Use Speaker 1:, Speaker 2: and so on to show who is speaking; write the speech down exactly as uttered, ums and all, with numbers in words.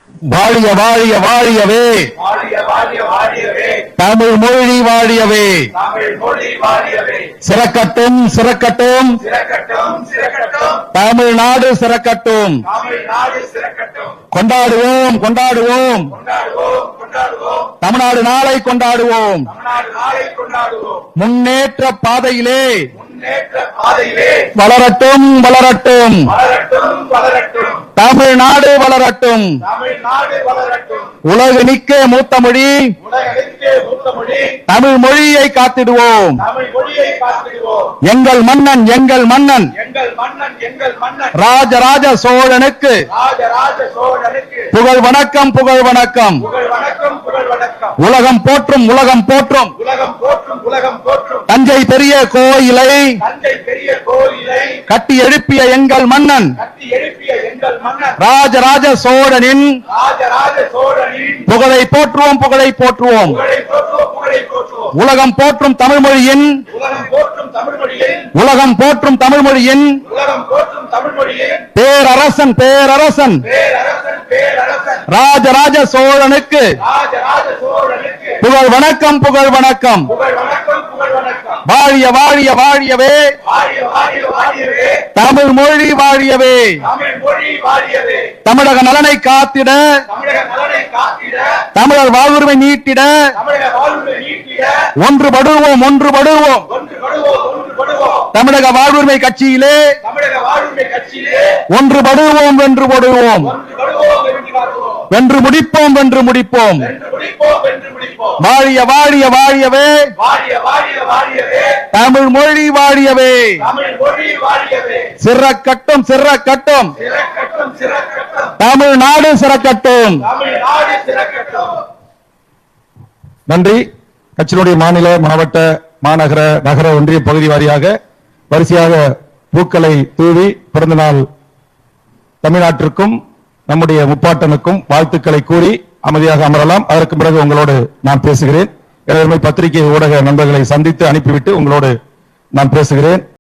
Speaker 1: வாழிய வாழிய வாழியவே தமிழ் மொழி வாழியவே சிறக்கட்டும் சிறக்கட்டும் தமிழ்நாடு சிறக்கட்டும் கொண்டாடுவோம் கொண்டாடுவோம் தமிழ்நாடு நாளை கொண்டாடுவோம் முன்னேற்ற பாதையிலே வளரட்டும் வளரட்டும் தமிழ்நாடு வளரட்டும் உலகு நிக்க மூத்த மொழி தமிழ் மொழியை காத்திடுவோம் எங்கள் மன்னன் எங்கள் மன்னன் ராஜராஜ சோழனுக்கு புகழ் வணக்கம் புகழ் வணக்கம் உலகம் போற்றும் உலகம் போற்றும் தஞ்சை பெரிய கோயிலை கட்டி எழுப்பிய எங்கள் மன்னன் ராஜராஜ சோழனின் புகழை போற்றுவோம் புகழை போற்றுவோம் உலகம் போற்றும் தமிழ் மொழியின் உலகம் போற்றும் தமிழ் மொழியின் பேரரசன் பேரரசன் ராஜராஜ சோழனுக்கு புகழ் வணக்கம் புகழ் வணக்கம் வாழிய வாழிய வாழியவே தமிழ் மொழி வாழியவே தமிழக நலனை காத்திட தமிழர் வாழ்வுரிமை நீட்டிட ஒன்றுபடுவோம் ஒன்றுபடுவோம் தமிழக வாழ்வுரிமை கட்சியிலே ஒன்றுபடுவோம் வென்று படுவோம் வென்று முடிப்போம் வென்று முடிப்போம் வாழிய வாழிய வாழியவே தமிழ் மொழி வாழியவே சிறக்கட்டும் சிறக்கட்டும் தமிழ்நாடு சிறக்கட்டும். நன்றி. கட்சியினுடைய மாநில மாவட்ட மாநகர நகர ஒன்றிய பகுதி வாரியாக வரிசையாக பூக்களை தூவி பிறந்த நாள் தமிழ்நாட்டிற்கும் நம்முடைய முப்பாட்டனுக்கும் வாழ்த்துக்களை கூறி அமைதியாக அமரலாம். அதற்கு பிறகு உங்களோடு நான் பேசுகிறேன். எனவே பத்திரிகை ஊடக நண்பர்களை சந்தித்து அனுப்பிவிட்டு உங்களோடு நான் பேசுகிறேன்.